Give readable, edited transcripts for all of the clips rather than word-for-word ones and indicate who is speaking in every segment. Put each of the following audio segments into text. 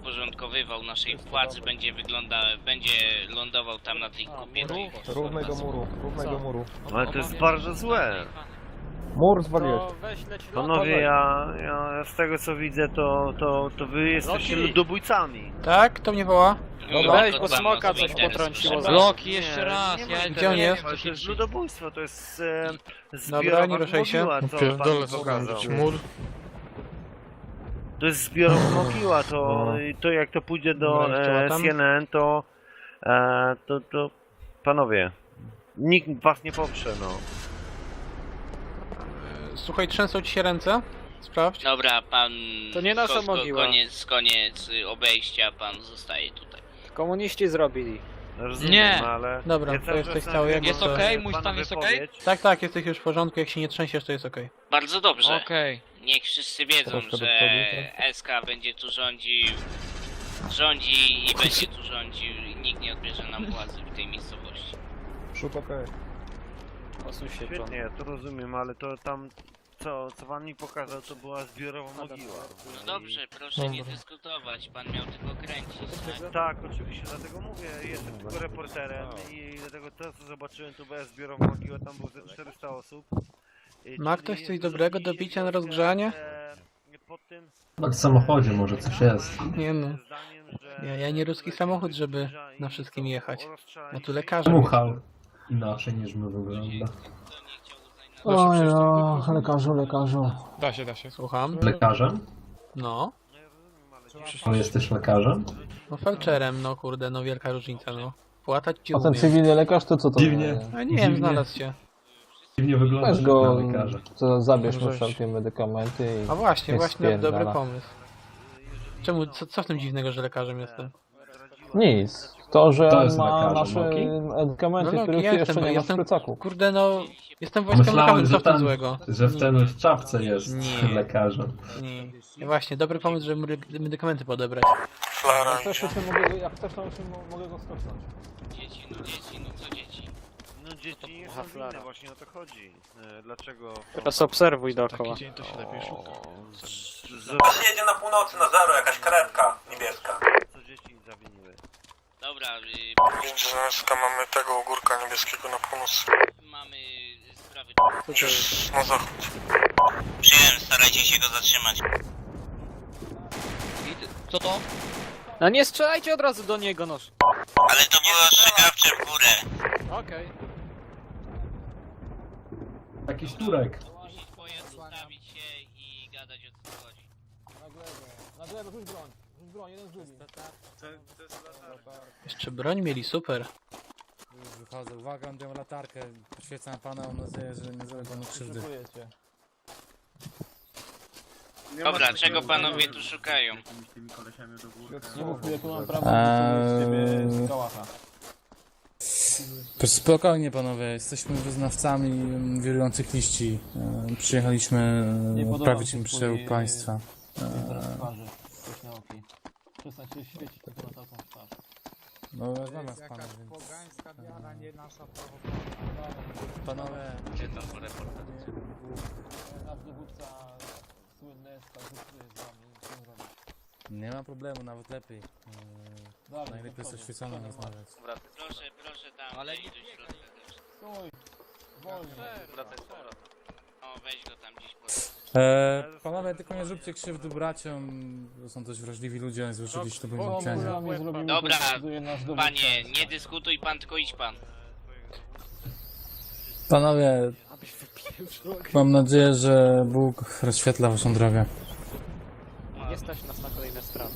Speaker 1: podporządkowywał naszej władzy, będzie lądował tam na tej kupie.
Speaker 2: Równego muru.
Speaker 3: Ale to jest bardzo złe.
Speaker 2: Mur zwaliłeś.
Speaker 3: Panowie, ja z tego co widzę, to wy jesteście ludobójcami.
Speaker 4: Tak? Kto mnie woła?
Speaker 5: Weź, bo smoka coś potrąciło.
Speaker 6: Bloki jeszcze raz, ja
Speaker 4: Gdzie on jest?
Speaker 3: To jest ludobójstwo, to jest
Speaker 4: Dobra,
Speaker 3: zbiorowa
Speaker 4: nie ruszaj się.
Speaker 3: mogiła, co pan pokazał.
Speaker 6: mur.
Speaker 3: To jest zbiorowa mogiła, to jak to pójdzie do
Speaker 4: Dobra, jeszcze tam.
Speaker 3: CNN, to panowie, nikt was nie poprze, no.
Speaker 4: Słuchaj, trzęsą ci się ręce? Sprawdź.
Speaker 1: Dobra, pan...
Speaker 5: To nie nasza mogiła.
Speaker 1: Koniec obejścia, pan zostaje tutaj.
Speaker 5: Komuniści zrobili.
Speaker 3: Rozumiem,
Speaker 6: Nie.
Speaker 3: ale...
Speaker 4: Dobra,
Speaker 3: ja
Speaker 4: to
Speaker 3: cały
Speaker 4: jesteś
Speaker 3: czas
Speaker 4: cały, jak
Speaker 6: Jest
Speaker 4: to-
Speaker 6: okej? Mój
Speaker 3: pana
Speaker 6: stan jest
Speaker 3: wypowiedź.
Speaker 6: okej?
Speaker 4: Tak, jesteś już w porządku, jak się nie trzęsiesz, to jest okej.
Speaker 1: Bardzo dobrze.
Speaker 6: Okej.
Speaker 1: Niech wszyscy wiedzą,
Speaker 2: Troszkę do
Speaker 1: że
Speaker 2: przodu,
Speaker 1: SK będzie tu rządzi i będzie tu rządził i nikt nie odbierze nam władzy w tej miejscowości.
Speaker 2: Przód okej.
Speaker 5: Osuń się, John.
Speaker 3: Świetnie, ja to rozumiem, ale to tam... Co pan mi pokazał, to była zbiorowa mogiła.
Speaker 1: No dobrze, proszę nie dyskutować, pan miał tylko kręcić. Tak?
Speaker 3: Tak, oczywiście, dlatego mówię, jestem tylko reporterem i dlatego to co zobaczyłem, to była zbiorowa mogiła, tam było ze 400 osób.
Speaker 4: Ma
Speaker 3: Czyli
Speaker 4: ktoś coś
Speaker 3: dużo
Speaker 4: dobrego
Speaker 3: ludzi
Speaker 4: do
Speaker 3: się
Speaker 4: picia na
Speaker 3: troszkę,
Speaker 4: rozgrzanie?
Speaker 3: Pod tym
Speaker 7: No w samochodzie może coś jest.
Speaker 4: Nie no.
Speaker 3: zdaniem, że...
Speaker 4: Ja nie ruski samochód, żeby na wszystkim jechać. Ja tu lekarzem
Speaker 7: Muchał inaczej niż my wygląda.
Speaker 8: Oj no, lekarzu.
Speaker 6: Da się.
Speaker 4: Słucham?
Speaker 7: Lekarzem?
Speaker 4: No.
Speaker 7: On jesteś lekarzem?
Speaker 4: No felczerem, no kurde, no wielka różnica, no. Płatać ci
Speaker 8: A ten
Speaker 4: umiem.
Speaker 8: cywilny lekarz to co to?
Speaker 7: Dziwnie.
Speaker 4: A nie wiem, znalazł się.
Speaker 7: Dziwnie wygląda
Speaker 8: Weź go,
Speaker 7: na lekarza.
Speaker 8: to zabierz mu wszelkie medykamenty i...
Speaker 4: A właśnie,
Speaker 8: niech
Speaker 4: właśnie dobry
Speaker 8: spierdala.
Speaker 4: pomysł. Czemu, co w tym dziwnego, że lekarzem jestem?
Speaker 8: Nic. To, że
Speaker 7: To
Speaker 8: on
Speaker 7: jest
Speaker 8: ma
Speaker 7: lekarzem,
Speaker 8: nasze
Speaker 7: okej?
Speaker 8: medykamenty,
Speaker 4: No,
Speaker 8: których
Speaker 4: ja
Speaker 8: ty jeszcze nie masz w
Speaker 4: jestem,
Speaker 8: plecaku.
Speaker 4: kurde no, jestem wojskiem
Speaker 7: Myślałem,
Speaker 4: lokowym, co
Speaker 7: że
Speaker 4: w tym
Speaker 7: ten,
Speaker 4: złego?
Speaker 7: że w ten w czapce jest
Speaker 4: Nie.
Speaker 7: lekarzem.
Speaker 4: Nie. Właśnie, dobry pomysł, żeby medykamenty podebrać.
Speaker 8: Jak chcesz, to się mogę go skopnąć.
Speaker 1: Dzieci, no co dzieci?
Speaker 3: No dzieci nie są winne, właśnie o to chodzi. Dlaczego...
Speaker 5: Teraz obserwuj dookoła.
Speaker 9: Jedzie na północy na zero, jakaś karetka niebieska.
Speaker 3: Co dzieci zawiniły?
Speaker 1: Dobra,
Speaker 9: Drzewska, mamy tego ogórka niebieskiego na północ.
Speaker 1: mamy sprawy...
Speaker 9: Na zachód.
Speaker 1: Przyjąłem, starajcie się go zatrzymać.
Speaker 6: Co to?
Speaker 5: No nie strzelajcie od razu do niego, noż.
Speaker 1: Ale to było ostrzegawcze w górę.
Speaker 5: Okej.
Speaker 7: Jakiś Turek.
Speaker 1: Puścić pojazd, ustawić się i gadać o co chodzi.
Speaker 8: Na glebę, rzuć broń, jeden z drugim.
Speaker 4: Jeszcze broń mieli, super.
Speaker 10: Wychodzę, uwaga, mam tę latarkę, poświecam pana, mam nadzieję, że nie zrobię panu krzywdy.
Speaker 1: Dobra, czego panowie tu szukają?
Speaker 8: Nie mów mi, jak mam prawo z ciebie kałacha.
Speaker 10: Spokojnie panowie, jesteśmy wyznawcami wirujących liści. Przyjechaliśmy odprawić im przełóg państwa.
Speaker 8: Przestań się świecić tylko na taką twarz.
Speaker 10: No rozmawiam z panem, więc... Panowie...
Speaker 1: Gdzie tam reporter?
Speaker 8: Nasz dowódca słynny dyskutuje z wami, co zrobić.
Speaker 10: Nie ma problemu, nawet lepiej. Najlepiej jest oświeconą rozmawiać.
Speaker 1: Proszę tam, ale iść do środka też.
Speaker 8: Stój! Wolniej!
Speaker 1: O, weź go tam gdzieś po...
Speaker 10: Panowie, tylko nie zróbcie krzywdy braciom, bo są dość wrażliwi ludzie, złożyli śluby
Speaker 8: O,
Speaker 10: milczenia.
Speaker 8: może mi zrobimy,
Speaker 1: Dobra,
Speaker 8: to decyduje nasz dowódca.
Speaker 1: Panie, nie dyskutuj pan, tylko idź pan.
Speaker 10: Panowie, mam nadzieję, że Bóg rozświetla waszą drogę.
Speaker 5: Nie stać nas na kolejne sprawy.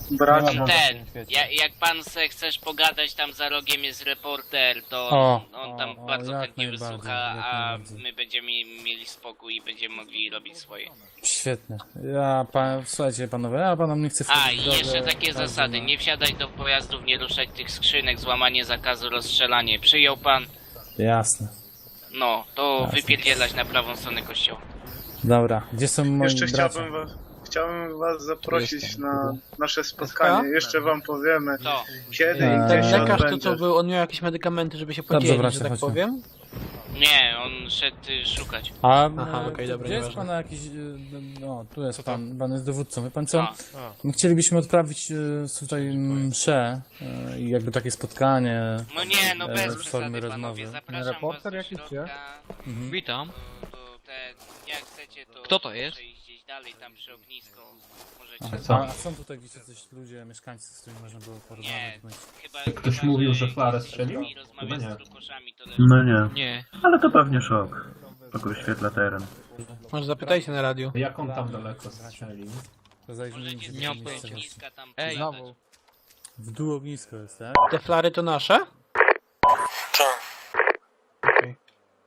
Speaker 1: Jak pan se chcesz pogadać, tam za rogiem jest reporter, to on tam bardzo
Speaker 10: jak
Speaker 1: chętnie
Speaker 10: najbardziej,
Speaker 1: wysłucha,
Speaker 10: jak
Speaker 1: a
Speaker 10: najbardziej.
Speaker 1: my będziemy mieli spokój i będziemy mogli robić swoje.
Speaker 10: Świetnie. Słuchajcie panowie, ja panom nie chcę
Speaker 1: A,
Speaker 10: wchodzić
Speaker 1: i
Speaker 10: w drogę,
Speaker 1: jeszcze takie
Speaker 10: każdy
Speaker 1: zasady,
Speaker 10: ma-
Speaker 1: nie wsiadać do pojazdów, nie ruszać tych skrzynek, złamanie zakazu, rozstrzelanie. Przyjął pan?
Speaker 10: Jasne.
Speaker 1: No, to
Speaker 10: Jasne.
Speaker 1: wypierdzielać na prawą stronę kościoła.
Speaker 10: Dobra, gdzie są moi
Speaker 9: Jeszcze
Speaker 10: bracia?
Speaker 9: chciałbym was zaprosić na nasze
Speaker 4: SK?
Speaker 9: spotkanie. Jeszcze wam powiemy
Speaker 1: To.
Speaker 9: kiedy i
Speaker 10: Eee,
Speaker 9: gdzie
Speaker 4: Ten
Speaker 9: się
Speaker 4: lekarz to
Speaker 9: odbędzie.
Speaker 4: co był, on miał jakieś medykamenty, żeby się
Speaker 10: Dobrze,
Speaker 4: podzielić,
Speaker 10: bracie,
Speaker 4: że tak
Speaker 10: chodźmy.
Speaker 4: powiem?
Speaker 1: Nie, on szedł szukać.
Speaker 10: A
Speaker 4: Aha, okej, dobra,
Speaker 10: gdzie jest
Speaker 4: nieważne.
Speaker 10: pana jakiś... No, tu jest pan jest dowódcą. Wie pan co?
Speaker 1: A.
Speaker 10: My chcielibyśmy odprawić tutaj mszę i jakby takie spotkanie.
Speaker 1: No nie, no bez
Speaker 10: w
Speaker 1: przesady,
Speaker 10: formie
Speaker 1: panowie.
Speaker 10: rozmowy.
Speaker 1: Zapraszam
Speaker 2: Reporter
Speaker 1: was do
Speaker 2: jakiś,
Speaker 1: środka.
Speaker 6: Witam.
Speaker 1: To te, jak chcecie, to
Speaker 6: Kto to jest?
Speaker 1: proszę iść gdzieś dalej, tam przy ognisko. Możecie...
Speaker 7: A co?
Speaker 10: A są tutaj gdzieś jacyś ludzie, mieszkańcy, z którymi można było
Speaker 1: Nie,
Speaker 10: porozmawiać? bądź-
Speaker 1: chyba...
Speaker 7: Ktoś
Speaker 1: chyba,
Speaker 7: mówił, że Flarę strzelił?
Speaker 1: I rozmawiać
Speaker 7: Chyba nie.
Speaker 1: z trukoszami, to lepiej.
Speaker 11: No nie,
Speaker 6: Nie.
Speaker 11: ale to pewnie szok. Tylko wyświetla teren.
Speaker 4: Może zapytajcie na radiu.
Speaker 7: Jak on tam daleko strzelił?
Speaker 10: To zajrzyjmy
Speaker 1: Możecie
Speaker 10: się
Speaker 1: z
Speaker 6: Nie mam
Speaker 10: w
Speaker 1: tego
Speaker 6: pojęcia.
Speaker 1: ogniska tam
Speaker 6: Ej.
Speaker 1: pogadać.
Speaker 4: Znowu.
Speaker 10: W dół ognisko jest, tak?
Speaker 4: Te flary to nasze?
Speaker 9: Tak.
Speaker 4: Okej.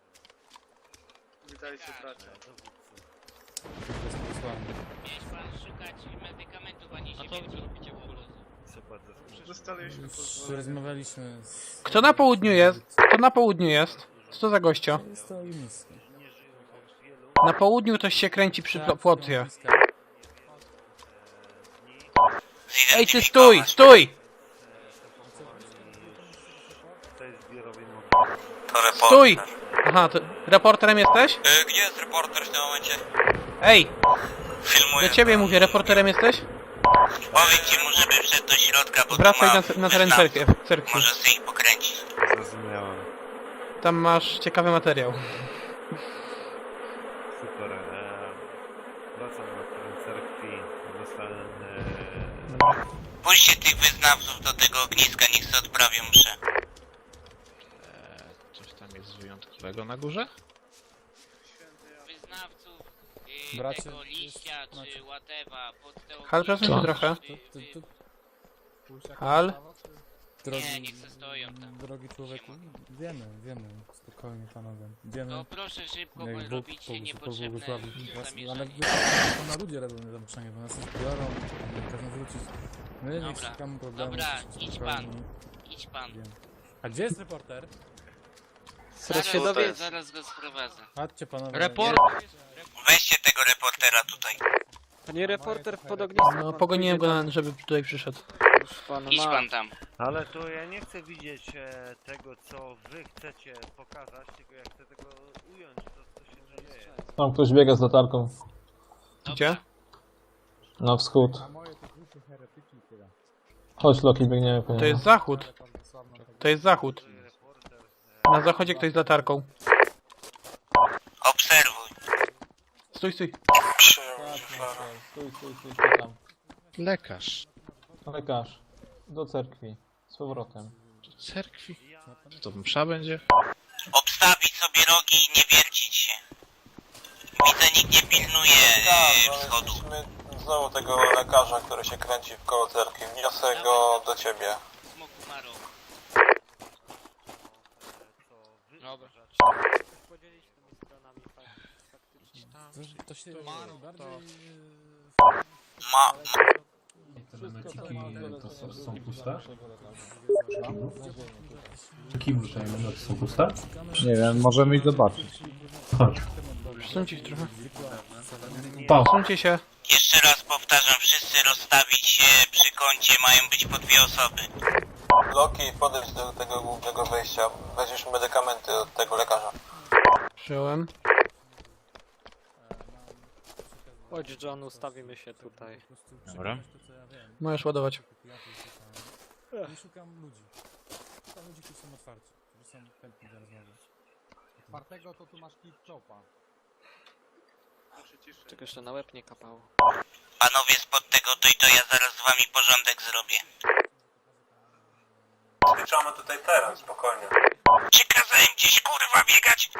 Speaker 1: Miałeś pan szukać medykamentów, a nie
Speaker 6: A
Speaker 1: się
Speaker 6: co wy tu
Speaker 1: biegnie.
Speaker 6: robicie w ogóle?
Speaker 10: Już rozmawialiśmy z...
Speaker 4: Kto na południu jest? Kto na południu jest? Co to za gościo?
Speaker 10: Jest to ognisko.
Speaker 4: Na południu ktoś się kręci przy płocie. Ej, ty stój! Stój!
Speaker 3: To jest zbiorowy motyw.
Speaker 9: To reporter.
Speaker 4: Stój! Aha, to reporterem jesteś?
Speaker 9: Gdzie jest reporter w tym momencie?
Speaker 4: Ej!
Speaker 9: Filmuję.
Speaker 4: Do ciebie mówię, reporterem jesteś?
Speaker 9: Powiedzcie mu, żeby wszedł do środka, bo
Speaker 4: Wracaj
Speaker 9: tu
Speaker 4: na teren cerkwi.
Speaker 9: Może sobie ich pokręcić.
Speaker 3: Zrozumiałem.
Speaker 4: Tam masz ciekawy materiał.
Speaker 3: Super. Wracam na teren cerkwi. Zostałem...
Speaker 9: Puśćcie tych wyznawców do tego ogniska, niech sobie odprawią mszę.
Speaker 6: Coś tam jest wyjątkowego na górze?
Speaker 1: Wyznawców
Speaker 10: Bracie,
Speaker 1: tego liścia
Speaker 10: jest-
Speaker 1: czy whatever pod te
Speaker 4: Hal, przesuń się
Speaker 6: Co?
Speaker 4: trochę.
Speaker 1: y,
Speaker 4: Hal?
Speaker 1: Nie, niech se stoją tam.
Speaker 10: Drogi człowieku, wiemy, spokojnie panowie. Wiemy,
Speaker 1: To proszę szybko, bo
Speaker 10: jak Bóg
Speaker 1: robicie niepotrzebne
Speaker 10: pobłogosławi was, ale
Speaker 1: zamieszanie.
Speaker 10: to na ludzie robią zamieszanie, bo nas już biorą, każą wrócić. My nie
Speaker 1: Dobra.
Speaker 10: szukamy problemu.
Speaker 1: Dobra,
Speaker 10: jesteśmy
Speaker 1: idź
Speaker 10: spokojni.
Speaker 1: Idź pan.
Speaker 10: A gdzie jest reporter?
Speaker 5: Zaraz się dowie...
Speaker 1: Zaraz go sprowadzę.
Speaker 10: Chodźcie panowie.
Speaker 6: Report!
Speaker 9: Weźcie tego reportera tutaj.
Speaker 5: Panie reporter pod ogniskiem.
Speaker 4: No, pogoniłem go, żeby tutaj przyszedł.
Speaker 5: Już pan
Speaker 1: Idź
Speaker 5: ma.
Speaker 1: pan tam.
Speaker 3: Ale to ja nie chcę widzieć tego, co wy chcecie pokazać, tylko ja chcę tego ująć, co się dzieje.
Speaker 2: Tam ktoś biega z latarką.
Speaker 4: Gdzie?
Speaker 2: Na wschód. Chodź Loki, biegniemy po
Speaker 4: To
Speaker 2: niego.
Speaker 4: jest zachód. To jest zachód. Na zachodzie ktoś z latarką.
Speaker 9: Obserwuj.
Speaker 4: Stój, stój.
Speaker 2: Stój tam.
Speaker 6: Lekarz.
Speaker 2: Lekarz. Do cerkwi. Z powrotem.
Speaker 6: Do cerkwi? To msza będzie?
Speaker 9: Obstawić sobie rogi i nie wiercić się. Widzę, nikt nie pilnuje wschodu.
Speaker 11: Znowu tego lekarza, który się kręci w koło cerkwi. Wniosę go do ciebie.
Speaker 1: Smoku Maro.
Speaker 6: Dobra.
Speaker 5: Podzielić tymi stronami faktycznie.
Speaker 10: To się bardziej...
Speaker 9: Ma...
Speaker 7: Te memetiki to są puste? Kim te memety są puste?
Speaker 2: Nie wiem, możemy iść zobaczyć.
Speaker 7: Chodź.
Speaker 4: Przesuńcie się trochę.
Speaker 7: Pa!
Speaker 4: Przesuńcie się.
Speaker 9: Jeszcze raz powtarzam, wszyscy rozstawić się przy kącie, mają być po 2 osoby.
Speaker 11: Loki, podejdź do tego głównego wejścia. Weźmiesz medykamenty od tego lekarza.
Speaker 4: Przyjąłem.
Speaker 5: Chodź John, ustawimy się tutaj.
Speaker 6: Dobra.
Speaker 4: Możesz ładować.
Speaker 10: Nie szukam ludzi. Szukam ludzi, którzy są otwarci, którzy są chętni do rozmowy.
Speaker 2: Czwartego to tu masz kit chopa.
Speaker 5: Czego jeszcze na łeb nie kapało.
Speaker 9: Panowie spod tego to ja zaraz z wami porządek zrobię.
Speaker 11: Zliczamy tutaj teren, spokojnie.
Speaker 9: Czy kazałem gdzieś kurwa biegać?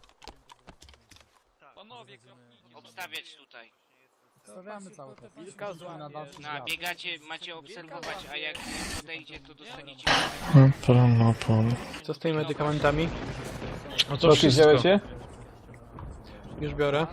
Speaker 6: Panowie,
Speaker 1: Obstawiać tutaj.
Speaker 2: Stawiamy cały czas.
Speaker 1: No, biegacie, macie obserwować, a jak podejdzie, to dostaniecie...
Speaker 4: Co z tymi medykamentami?
Speaker 6: No to
Speaker 2: Loki,
Speaker 6: wszystko.
Speaker 2: wziąłeś się?
Speaker 4: Już biorę.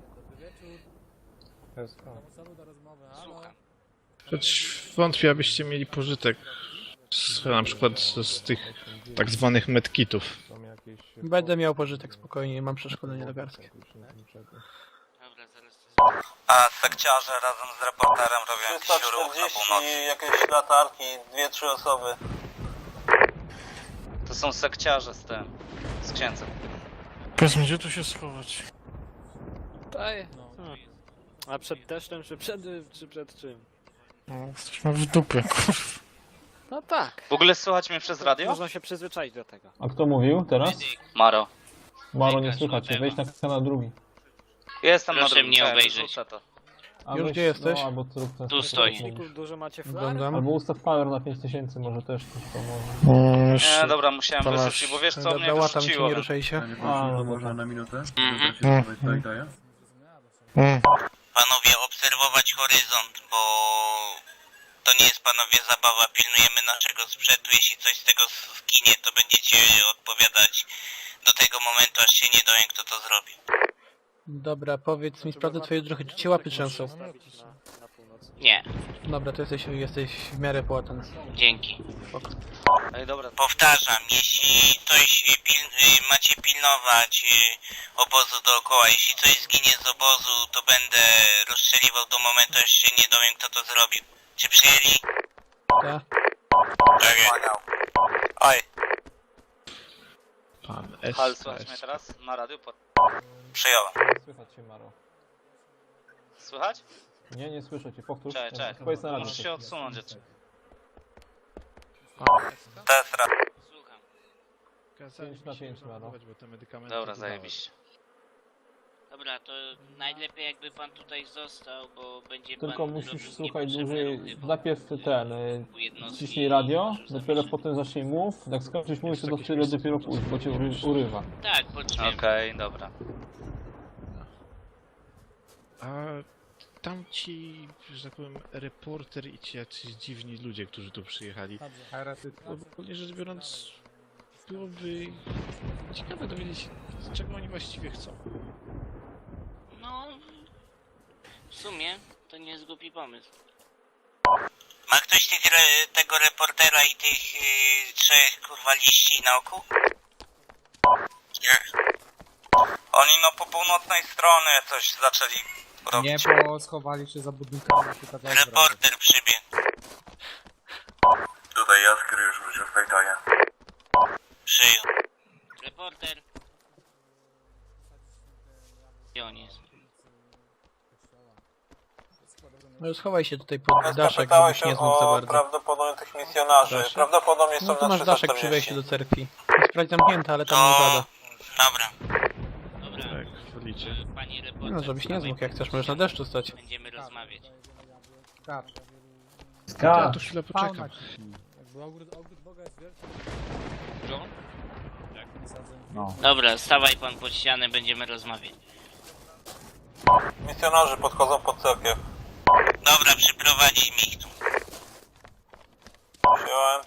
Speaker 1: Słucham.
Speaker 6: Choć wątpię, abyście mieli pożytek na przykład z tych tak zwanych medkitów.
Speaker 2: Są jakieś...
Speaker 4: Będę miał pożytek spokojnie, mam przeszkolenie lekarskie.
Speaker 1: Dobra, zaraz to
Speaker 9: A sekciarze razem z reporterem robią jakiś ruch na
Speaker 11: 340,
Speaker 9: północy.
Speaker 11: jakieś latarki, 2-3 osoby.
Speaker 5: To są sekciarze z księdzem.
Speaker 6: Powiedz mi, gdzie tu się schować?
Speaker 5: Daj. A przed deszczem, czy przed czym?
Speaker 6: No, jesteśmy w dupie, kurwa.
Speaker 5: No tak.
Speaker 1: W ogóle słychać mnie przez radio?
Speaker 5: Można się przyzwyczaić do tego.
Speaker 2: A kto mówił teraz?
Speaker 1: Maro.
Speaker 2: Maro, nie słychać cię. Wejdź na kanał drugi.
Speaker 1: Jestem
Speaker 4: Proszę
Speaker 1: na drugim,
Speaker 4: mnie
Speaker 1: czekaj,
Speaker 4: obejrzeć.
Speaker 1: wyrzucę to.
Speaker 2: A
Speaker 6: Już
Speaker 2: weź-
Speaker 6: gdzie jesteś?
Speaker 2: No, albo zrób ten
Speaker 1: Tu stoi.
Speaker 5: Silników dużo macie flar?
Speaker 6: Oglądam.
Speaker 2: Albo ustaw power na 5000, może też coś pomoże.
Speaker 1: Nie, dobra, musiałem
Speaker 6: to masz-
Speaker 1: wyrzucić, bo wiesz co mnie
Speaker 6: Dobra, tam ci
Speaker 1: wyrzuciło.
Speaker 6: nie ruszaj się.
Speaker 2: A, no dobra.
Speaker 9: Panowie, obserwować horyzont, bo to nie jest, panowie, zabawa. Pilnujemy naszego sprzętu. Jeśli coś z tego zginie, to będziecie odpowiadać do tego momentu, aż się nie dowiem, kto to zrobi.
Speaker 4: Dobra, powiedz mi, sprawdzę twoje trochę, czy cię łapy trzęsą.
Speaker 5: Na północy.
Speaker 1: Nie,
Speaker 4: Dobra, to jesteś w miarę płatan.
Speaker 1: dzięki. Ej, dobra,
Speaker 9: Powtarzam, jeśli coś macie pilnować obozu dookoła, jeśli coś zginie z obozu, to będę rozstrzeliwał do momentu, aż się nie dowiem, kto to zrobił. Czy przyjęli?
Speaker 4: Tak?
Speaker 9: Tak. Oj,
Speaker 6: Pan S.
Speaker 1: Hal, słychać mnie teraz? Na radiu?
Speaker 9: przyjąłem.
Speaker 2: Nie słychać cię, Maro.
Speaker 1: Słychać?
Speaker 2: Nie, nie słyszę cię. Powtórz.
Speaker 1: Czekaj.
Speaker 2: Powiedz na radio.
Speaker 1: Muszę się odsunąć jeszcze.
Speaker 9: Teraz raz.
Speaker 1: Słucham.
Speaker 2: 5 na 5, Maro.
Speaker 6: Bo te medykamenty
Speaker 1: Dobra,
Speaker 6: dodałem.
Speaker 1: zajebiście. Dobra, to najlepiej jakby pan tutaj został, bo będzie
Speaker 2: Tylko
Speaker 1: pan
Speaker 2: musisz
Speaker 1: robił
Speaker 2: słuchać
Speaker 1: niepotrzebne
Speaker 2: dłużej.
Speaker 1: ruchy, bo
Speaker 2: Najpierw ten.
Speaker 1: u jednostki
Speaker 2: Ciśnij radio,
Speaker 1: może
Speaker 2: dopiero
Speaker 1: zacząć-
Speaker 2: potem zacznij mów. Jak skończysz mówić, to tyle dopiero pójść, bo cię urywa.
Speaker 1: Tak, poczujemy. Okej, dobra.
Speaker 6: A tam ci, że tak powiem, reporter i ci jacyś dziwni ludzie, którzy tu przyjechali. No, ogólnie rzecz biorąc, byłoby ciekawe dowiedzieć się, czego oni właściwie chcą.
Speaker 1: No, w sumie to nie jest głupi pomysł.
Speaker 9: Ma ktoś tego reportera i tych trzech, kurwa, liści na oku? Nie. Oni no po północnej stronie coś zaczęli robić.
Speaker 10: bo schowali się za budynkami.
Speaker 9: Reporter przybiegł. Tutaj Jaskry już wrócił w Pejtonie. Przyjął.
Speaker 1: Reporter. Gdzie on jest?
Speaker 4: No schowaj się tutaj pod daszek,
Speaker 11: Zapytałeś
Speaker 4: żebyś nie
Speaker 11: się
Speaker 4: znał za
Speaker 11: o
Speaker 4: bardzo.
Speaker 11: prawdopodobnie tych misjonarzy.
Speaker 4: Proszę.
Speaker 11: Prawdopodobnie są
Speaker 4: No tu
Speaker 11: na
Speaker 4: masz daszek przy
Speaker 11: 340.
Speaker 4: wejściu do cerkwi. Jest sprawdź zamknięta, ale tam nie
Speaker 9: To...
Speaker 4: pada.
Speaker 9: Dobra.
Speaker 1: Dobra,
Speaker 6: Tak, wolicie.
Speaker 1: panie reporter.
Speaker 4: No, żebyś nie
Speaker 1: dawaj,
Speaker 4: zmógł, jak chcesz, możesz na deszczu stać.
Speaker 1: Będziemy rozmawiać.
Speaker 6: Ja tu chwilę poczekam.
Speaker 1: Dobra, stawaj pan pod ścianę, będziemy rozmawiać.
Speaker 11: Misjonarze podchodzą pod cerkiew.
Speaker 9: Dobra, przyprowadzi mi ich tu.
Speaker 11: Przyjąłem.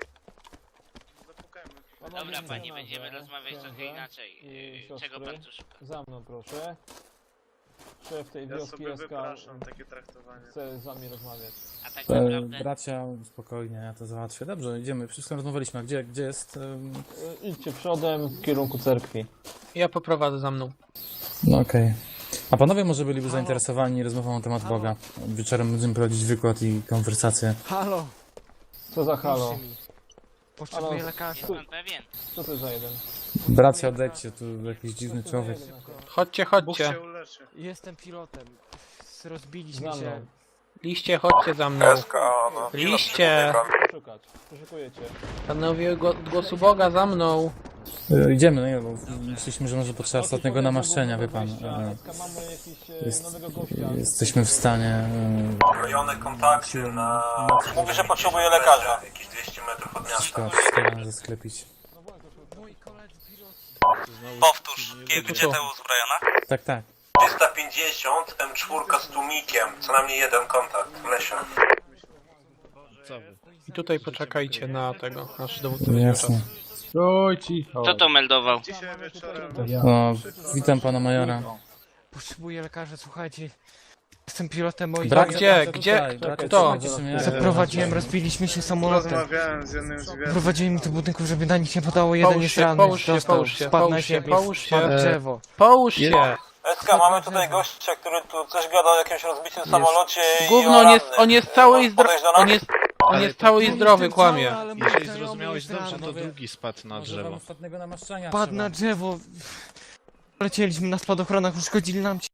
Speaker 1: Dobra, panie, będziemy rozmawiać trochę inaczej.
Speaker 2: I
Speaker 1: Czego
Speaker 2: siostry?
Speaker 1: pan tu szuka?
Speaker 2: Za mną proszę. Szef tej wioski SK chce z wami rozmawiać.
Speaker 1: A tak naprawdę...
Speaker 10: Bracia, spokojnie, ja to załatwię. Dobrze, idziemy. Wszystko rozmawialiśmy. A gdzie jest...
Speaker 2: Idźcie przodem w kierunku cerkwi.
Speaker 4: Ja poprowadzę za mną.
Speaker 10: No okej. A panowie może byliby zainteresowani rozmową na temat Boga. Wieczorem będziemy prowadzić wykład i konwersację.
Speaker 5: Halo!
Speaker 2: Co za halo?
Speaker 5: Potrzebuję
Speaker 2: Halo,
Speaker 5: lekarza.
Speaker 1: Jest pan pewien?
Speaker 2: Co to za jeden?
Speaker 10: Bracia, odejdźcie, tu jakiś dziwny człowiek.
Speaker 4: Chodźcie, chodźcie.
Speaker 5: Jestem pilotem.
Speaker 2: Za
Speaker 5: Rozbiliśmy
Speaker 2: mną.
Speaker 5: się.
Speaker 4: Liście, chodźcie za mną.
Speaker 11: SK, no.
Speaker 4: Liście!
Speaker 2: Poszukać. Poszukujecie.
Speaker 4: Panowie od głosu Boga za mną.
Speaker 10: Idziemy, no nie, bo myśleliśmy, że może potrzeba ostatniego namaszczenia, wie pan.
Speaker 2: SK, mamy jakiś
Speaker 10: Jest,
Speaker 2: nowego gościa.
Speaker 10: jesteśmy w stanie...
Speaker 11: Rejony kontaktu na... Mówi, że potrzebuje lekarza. Jakieś 200 metrów od miasta.
Speaker 10: Szkoda zasklepić.
Speaker 9: Powtórz, gdzie ta uzbrojona?
Speaker 10: Tak, tak.
Speaker 11: 350, M4 z tłumikiem. Co najmniej jeden kontakt w lesie.
Speaker 6: Co wy?
Speaker 4: I tutaj poczekajcie na tego, nasz dowódca będzie miał czas.
Speaker 10: Jasne.
Speaker 1: Kto to meldował?
Speaker 10: O, witam pana majora.
Speaker 5: Potrzebuję lekarza, słuchajcie. Jestem pilotem, moi
Speaker 4: Brak
Speaker 5: drodzy.
Speaker 4: gdzie? Kto?
Speaker 5: Zaprowadziłem, rozbiliśmy się samolotem. Prowadziły mi do budynku, żeby na nich nie padało. Jeden
Speaker 4: Połóż
Speaker 5: jest
Speaker 4: się,
Speaker 5: ranny,
Speaker 4: połóż się,
Speaker 5: dostał,
Speaker 4: połóż się,
Speaker 5: spadł na
Speaker 4: połóż się,
Speaker 5: siebie,
Speaker 4: połóż się.
Speaker 5: spadł w drzewo.
Speaker 4: Połóż się!
Speaker 11: SK, mamy tutaj gościa, który tu coś gada o jakimś rozbitym samolocie i
Speaker 4: Gówno,
Speaker 11: o
Speaker 4: on jest cały i zdrowy.
Speaker 11: Podejść do nas?
Speaker 4: On jest cały i zdrowy, kłamie.
Speaker 6: Jeżeli zrozumiałeś dobrze, to drugi spadł na drzewo.
Speaker 10: Ostatniego namaszczenia
Speaker 5: Padł na drzewo. Lecieliśmy na spadochronach, uszkodzili nam